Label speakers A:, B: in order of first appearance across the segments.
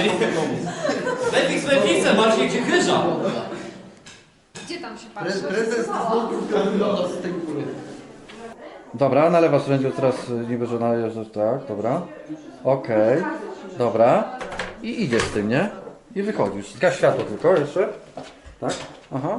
A: Lepiej z lewicy, bardziej gdzie chyża.
B: Gdzie tam się patrzy?
C: Prezes z tej góry.
D: Dobra, nalewasz sędziu teraz niby, że najeżdżasz, tak, dobra. Okej, dobra. I idziesz z tym, nie? I wychodzisz. Zgaś światło tylko jeszcze. Tak? Aha.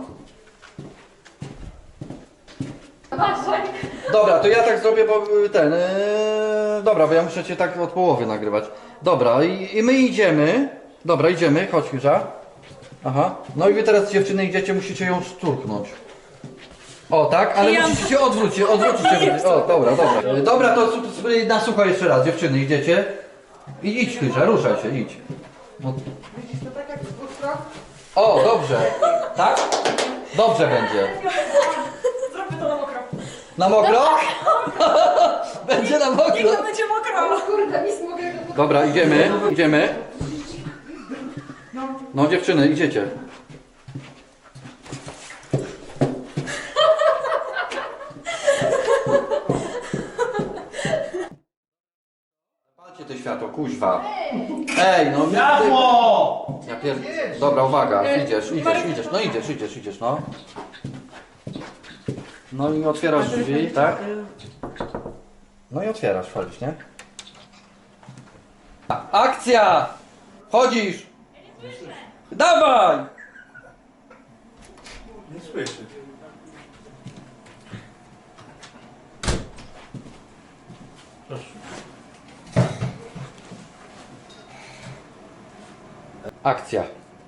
D: Dobra, to ja tak zrobię, bo ten... dobra, bo ja muszę cię tak od połowy nagrywać. Dobra, i my idziemy. Dobra, idziemy, chodź Mirza. Aha. No i wy teraz dziewczyny idziecie, musicie ją szturknąć. O tak, ale musicie się odwrócić. O, dobra. Dobra, to na sucho jeszcze raz, dziewczyny, idziecie. I idź Krysia, ruszaj się, idź. No.
C: Widzisz to tak jak z dwóch stron?
D: O, dobrze. Tak? Dobrze będzie.
B: Zrobię to na mokro.
D: Na mokro? Będzie na mokro.
B: Niech to będzie mokro. Kurde, nic mokrego.
D: Dobra, idziemy. No dziewczyny, idziecie. Palcie to światło, kuźwa. Ej, no.
A: Światło!
D: Ja Dobra, uwaga, idziesz. No idziesz, no. No i otwierasz drzwi, tak? No i otwierasz, wchodzisz, nie? Akcja! Chodzisz! Dawaj!
A: Nie słyszy. Proszę.
D: Akcja.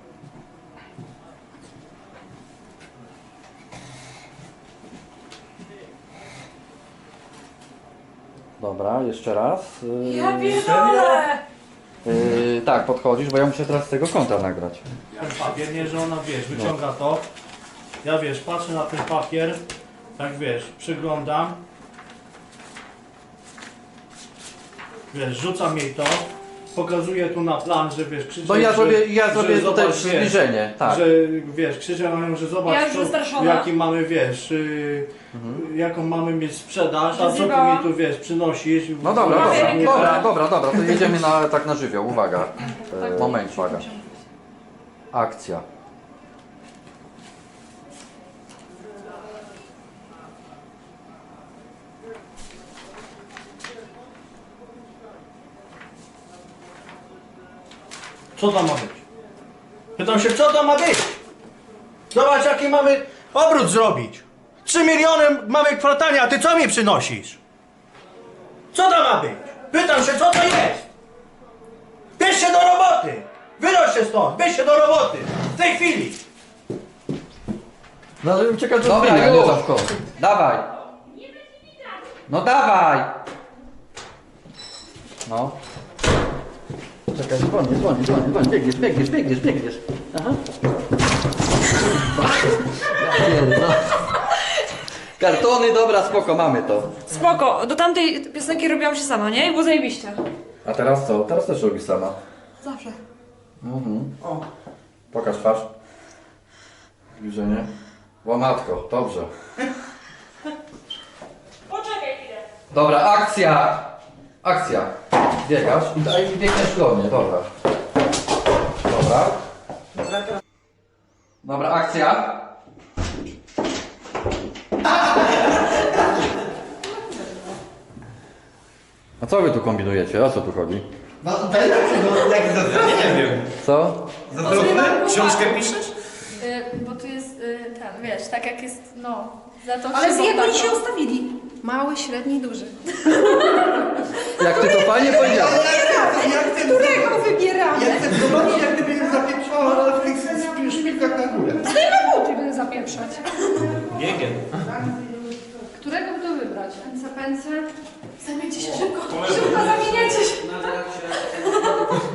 D: Dobra, jeszcze raz.
B: Ja pierdolę!
D: Tak, podchodzisz, bo ja muszę teraz z tego kąta nagrać.
A: Ten papier, nie, że ona, wiesz, wyciąga to. Ja, wiesz, patrzę na ten papier. Tak, wiesz, przyglądam. Wiesz, rzucam jej to. Pokazuję tu na plan, że wiesz, krzyczę.
D: No ja zrobię
A: że
D: tutaj
A: zobacz,
D: przybliżenie, tak.
A: Że wiesz, krzyczę na nią, że zobacz,
B: Ja już wystraszona.
A: jaki mamy, wiesz, jaką mamy mieć sprzedaż, a co ty
B: Zjebałam.
A: mi tu, wiesz, przynosisz.
D: No dobra,
B: Nie,
D: dobra, to jedziemy tak na żywioł, uwaga. Moment, uwaga. Akcja.
A: Co tam ma być? Pytam się, co tam ma być? Zobacz, jaki mamy obrót zrobić. 3 miliony mamy kwartalnie, a ty co mi przynosisz? Co tam ma być? Pytam się, co to jest? Bierz się do roboty! Wynoś się stąd, bierz się do roboty! W tej chwili!
D: No ale uciekać do dobra, nie Zawko. Dawaj. No dawaj. No. Czekaj, dzwonię. Biegniesz. Aha. Kartony, dobra, spoko, mamy to.
B: Spoko, do tamtej piosenki robiłam się sama, nie? I było zajebiście.
D: A teraz co? Teraz też robisz sama.
B: Zawsze.
D: O. Pokaż twarz. Zbliżenie. Łamatko, dobrze.
B: Poczekaj chwilę.
D: Dobra, akcja. Biegasz i biegniesz do mnie, dobra. Dobra, akcja. A co wy tu kombinujecie? O co tu chodzi?
C: No tutaj jak zazdrosny.
A: Nie wiem.
D: Co?
C: Zazdrosny?
A: Książkę piszesz?
E: Bo tu jest ten, wiesz, tak jak jest, no, za to
B: Ale z
E: krzywą
B: jak oni
E: taką.
B: się ustawili? Mały, średni, duży.
D: Jak ty to fajnie powiedziałeś.
B: Którego wybieramy?
C: Ja chcę zobaczyć, jak gdyby ją zapieprzała w tych szpilkach na górę.
B: Zdejmę buty, będę zapieprzać.
A: Biegiem.
E: Którego by to wybrać?
B: Pęce. Zamieńcie się szybko. Szybko zamieniacie się.